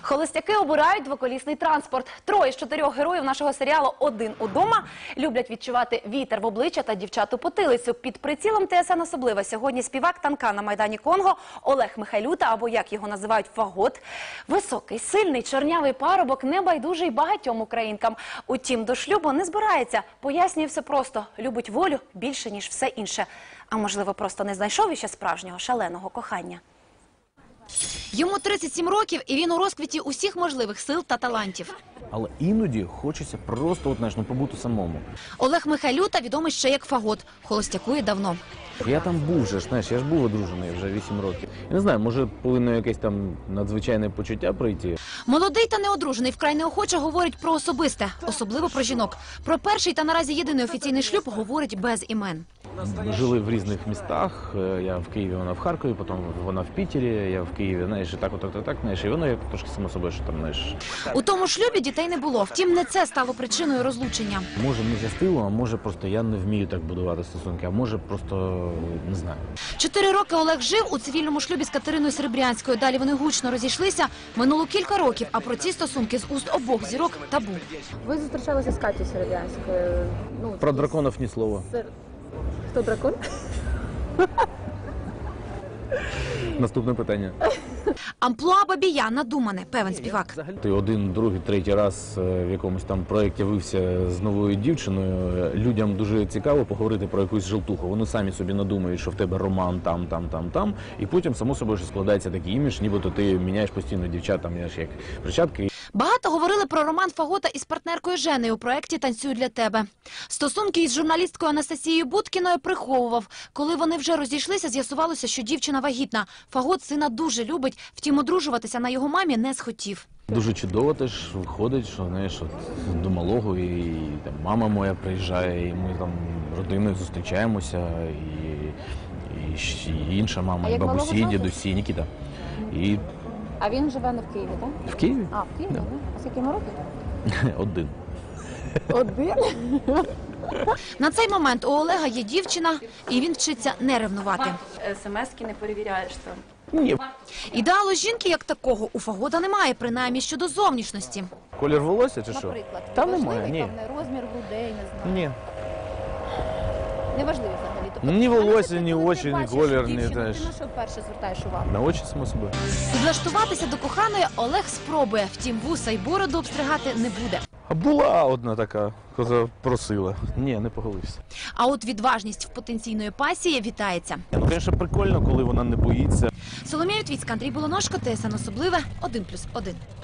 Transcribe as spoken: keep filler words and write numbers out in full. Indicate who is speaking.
Speaker 1: Холостяки обирають двоколісний транспорт. Троє з чотирьох героїв нашого серіалу «Один удома» люблять відчувати вітер в обличчя та дівчат у потилицю. Під прицілом ТСН «Особливе» сьогодні співак танка на Майдані Конго Олег Михайлюта, або як його називають Фагот. Високий, сильний, чорнявий парубок, небайдужий багатьом українкам. Утім, до шлюбу не збирається. Пояснює все просто. Любить волю більше, ніж все інше. А можливо, просто не знайшов іще справжнього шаленого кохання. Йому тридцять сім років, і він у розквіті усіх можливих сил та талантів.
Speaker 2: Але іноді хочеться просто, от, знаєш, ну, побути самому.
Speaker 1: Олег Михайлюта відомий ще як Фагот. Холостякує давно.
Speaker 2: Я там був вже, знаєш, я ж був одружений вже вісім років. Я не знаю, може повинно якесь там надзвичайне почуття прийти.
Speaker 1: Молодий та неодружений вкрай неохоче говорить про особисте, особливо про жінок. Про перший та наразі єдиний офіційний шлюб говорить без імен.
Speaker 2: Ми жили в різних містах. Я в Києві, вона в Харкові, потім вона в Пітері, я в Києві, знаєш, і так, отак, так, так, знаєш, і воно як трошки само собою, що там, знаєш.
Speaker 1: У тому шлюбі дітей не було, втім не це стало причиною розлучення.
Speaker 2: Може, не щастило, а може просто я не вмію так будувати стосунки, а може просто, не знаю.
Speaker 1: Чотири роки Олег жив у цивільному шлюбі з Катериною Серебрянською. Далі вони гучно розійшлися. Минуло кілька років, а про ці стосунки з уст обох зірок табу.
Speaker 3: Ви зустрічалися з Катєю Серебрянською? Ну,
Speaker 2: Про драконів ні слова.
Speaker 3: Хто дракон?
Speaker 2: Наступне питання.
Speaker 1: Амплуа бабія надумане, певен співак.
Speaker 2: Ти один, другий, третій раз в якомусь там проєкті вився з новою дівчиною. Людям дуже цікаво поговорити про якусь жилтуху. Вони самі собі надумають, що в тебе роман там, там, там, там. І потім, само собою, що складається такий імідж, нібито ти міняєш постійно дівчат, там, знаєш, як перчатки.
Speaker 1: Багато говорили про роман Фагота із партнеркою Женею у проєкті «Танцюю для тебе». Стосунки із журналісткою Анастасією Будкіною приховував. Коли вони вже розійшлися, з'ясувалося, що дівчина вагітна. Фагот сина дуже любить, втім одружуватися на його мамі не схотів.
Speaker 2: Дуже чудово теж виходить, що, знаєш, от, до малого, і, і там, мама моя приїжджає, і ми там родиною зустрічаємося, і, і, і інша мама, і бабусі, і дідусі, Нікіта. І...
Speaker 3: А він живе не в Києві, так?
Speaker 2: В Києві?
Speaker 3: А, в Києві,
Speaker 2: да.
Speaker 3: так? А скільки йому років?
Speaker 2: Один.
Speaker 3: Один?
Speaker 1: На цей момент у Олега є дівчина, і він вчиться не ревнувати.
Speaker 4: ес ем ески не перевіряєш там.
Speaker 2: Ні.
Speaker 1: Ідеалу жінки як такого у Фагота немає, принаймні щодо зовнішності.
Speaker 2: Колір волосся чи що?
Speaker 3: Наприклад.
Speaker 2: Там
Speaker 3: Важливий,
Speaker 2: немає, ні.
Speaker 3: там, не розмір грудей, не знаю.
Speaker 2: Ні.
Speaker 3: Неважливо взагалі. Тобто,
Speaker 2: Ні волосся,
Speaker 3: а
Speaker 2: ні
Speaker 3: коли ти
Speaker 2: очі, ні
Speaker 3: бачиш
Speaker 2: колір, ні
Speaker 3: дівчину,
Speaker 2: теж.
Speaker 3: Ти на що вперше звертаєш увагу?
Speaker 2: На очі, само собою.
Speaker 1: Підлаштуватися до коханої Олег спробує, втім вуса й бороду обстригати не буде.
Speaker 2: А була одна така, коза просила. Ні, не поголився.
Speaker 1: А от відважність в потенційної пасії вітається.
Speaker 2: Ну, звісно, прикольно, коли вона не боїться.
Speaker 1: Соломія Вітвіцька, Андрій Болоножко, ТСН «Особливе», один плюс один.